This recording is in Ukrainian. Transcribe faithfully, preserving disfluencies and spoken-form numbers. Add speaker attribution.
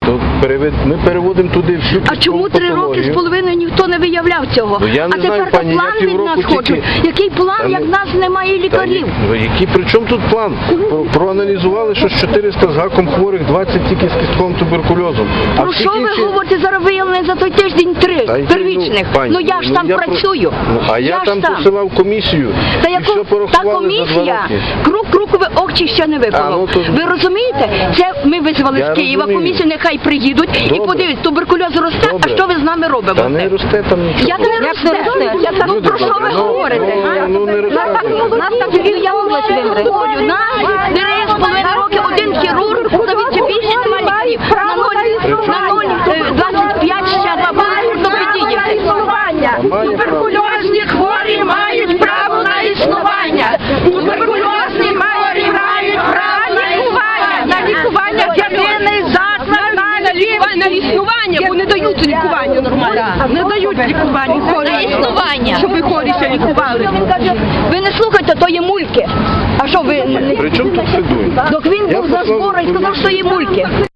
Speaker 1: То перевед... Ми переводимо туди всю
Speaker 2: А чому три роки з половиною ніхто не виявляв цього?
Speaker 1: Ну, я не
Speaker 2: а
Speaker 1: знаю,
Speaker 2: тепер
Speaker 1: пані,
Speaker 2: план
Speaker 1: я
Speaker 2: від нас
Speaker 1: півроку
Speaker 2: хочуть.
Speaker 1: тільки-
Speaker 2: Який план,
Speaker 1: Та
Speaker 2: як
Speaker 1: не-
Speaker 2: в нас немає лікарів?
Speaker 1: Та, які, при чому тут план? Про, проаналізували, що з чотириста з гаком хворих, двадцять тільки з кістковим туберкульозом. А
Speaker 2: Про
Speaker 1: всі
Speaker 2: що ви
Speaker 1: інші-
Speaker 2: говорите? Зараз виявлено за той тиждень три
Speaker 1: Та йди,
Speaker 2: первічних.
Speaker 1: ну, пані,
Speaker 2: Ну я ж
Speaker 1: ну,
Speaker 2: там
Speaker 1: я про-
Speaker 2: працюю.
Speaker 1: Ну, а я,
Speaker 2: ж
Speaker 1: там посилав комісію.
Speaker 2: Та,
Speaker 1: і
Speaker 2: яку,
Speaker 1: все
Speaker 2: та
Speaker 1: порахували за два
Speaker 2: комісія
Speaker 1: роки.
Speaker 2: круг крукове очі ще не виконав.
Speaker 1: А, ну, то-
Speaker 2: Ви розумієте? Це ми визвали
Speaker 1: Я
Speaker 2: з Києва
Speaker 1: розумію.
Speaker 2: комісію, нехай приїдуть і
Speaker 1: Добре.
Speaker 2: подивляться, туберкульоз росте,
Speaker 1: Добре.
Speaker 2: а що ви з нами робимо?
Speaker 1: Та не росте там нічого.
Speaker 2: Як не росте? Ну
Speaker 1: Люди
Speaker 2: про що
Speaker 1: добрі,
Speaker 2: ви
Speaker 1: ну,
Speaker 2: говорите?
Speaker 1: ну, ну, не розказуйте.
Speaker 2: Нас так я область вибрали. На три з половиною роки один хірург, то від це більше немає лікарів. На ноль, на ноль, е, двадцять п'ять ще два були ортопедії.
Speaker 1: А має право.
Speaker 2: Туберкульозні хворі мають право на існування. Туберкульозні хворі мають право на лікування. На лікування єдиний заклад на лікування.
Speaker 3: На існування, бо не дають лікування нормально. Не дають лікування хворі.
Speaker 2: На існування.
Speaker 3: Щоб хворі ще лікували.
Speaker 2: Ви не слухайте, то є мульки. А що ви?
Speaker 1: При чому тут федує?
Speaker 2: Док він
Speaker 1: Я
Speaker 2: був за
Speaker 1: послав
Speaker 2: збору і сказав, що є мульки.